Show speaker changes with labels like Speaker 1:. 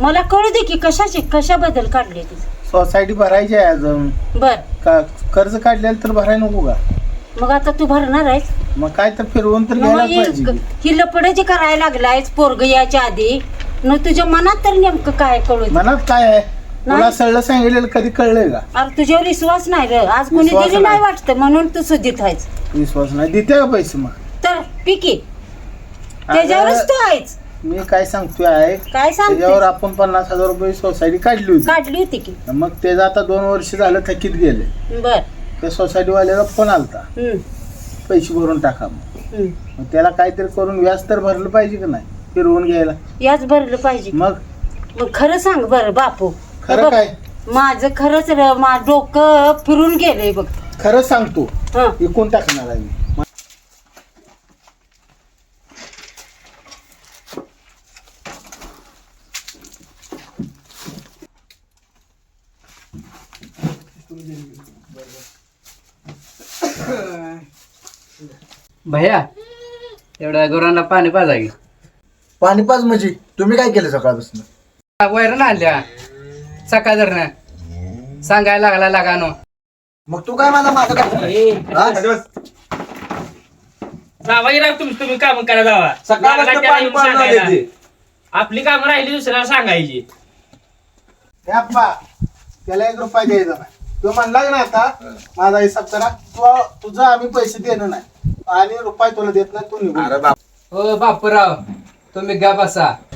Speaker 1: मला कळू दे की कशाबद्दल काढले ती.
Speaker 2: सोसायटी भरायची आहे अजून.
Speaker 1: बर
Speaker 2: का कर्ज काढलेलं तर भरायला नको का?
Speaker 1: मग आता तू भरणार आहेस?
Speaker 2: मग काय तर फिरवून तर घ्यायला पाहिजे की.
Speaker 1: ही लपडे जे करायला लागलायस पोरग याच्या आधी न तुझ्या मनात तर नेमकं काय कळू दे.
Speaker 2: मनात काय आहे? तुला सगळं सांगितलेलं कधी कळलंय का?
Speaker 1: अरे तुझ्यावर विश्वास नाही रे. आज कोणी
Speaker 2: विश्वास
Speaker 1: दिली नाही
Speaker 2: नाही.
Speaker 1: वाटतं म्हणून तू सुधीत आहेस.
Speaker 2: विश्वास नाही देते का पैसे मग?
Speaker 1: तर पिकी त्याच्यावरच तू आहेस.
Speaker 2: मी काय सांगतोय आहे
Speaker 1: काय सांगतोय?
Speaker 2: त्याच्यावर आपण 50,000 रुपये सोसायटी काढली होती.
Speaker 1: काढली होती की.
Speaker 2: मग त्याचं आता 2 वर्ष झालं थकीत गेले.
Speaker 1: बर
Speaker 2: त्या सोसायटी वाल्याला फोन आलता पैसे भरून टाका मग त्याला काहीतरी करून व्याज तर भरलं पाहिजे का नाही फिरवून घ्यायला?
Speaker 1: याच भरलं पाहिजे.
Speaker 2: मग
Speaker 1: खरं सांग बरं बापू.
Speaker 2: खरं काय?
Speaker 1: माझं खरंच डोकं फिरून गेलंय बघ.
Speaker 2: खरं सांगतो
Speaker 1: हं.
Speaker 2: विकून टाकणार आहे मी.
Speaker 3: भैया एवढ्या गुरांना पाणी पाजा की.
Speaker 4: पाणी पाच म्हणजे तुम्ही काय केलं सकाळपासून?
Speaker 3: वैरण आणल्या सकाळ जर सांगायला लागला लागानो.
Speaker 4: मग तू काय माझं काय हा?
Speaker 5: जावा की राव तुम्ही काम करा जावा.
Speaker 4: सकाळपासून
Speaker 5: त्याला
Speaker 4: पाणी
Speaker 5: येऊन
Speaker 4: पाजून
Speaker 5: सांगायला.
Speaker 4: आले ते.
Speaker 5: आपली कामं राहिली दुसऱ्याला सांगायची.
Speaker 2: हे अप्पा त्याला 1 रुपया द्यायचा नाही. तो म्हणला की नाही आता माझा हिसाब करा. तुझं आम्ही पैसे देणं नाही आणि रुपये तुला देत नाही. तू निघून
Speaker 4: अरे बाप
Speaker 3: हो बापूराव तुम्ही गा बसा.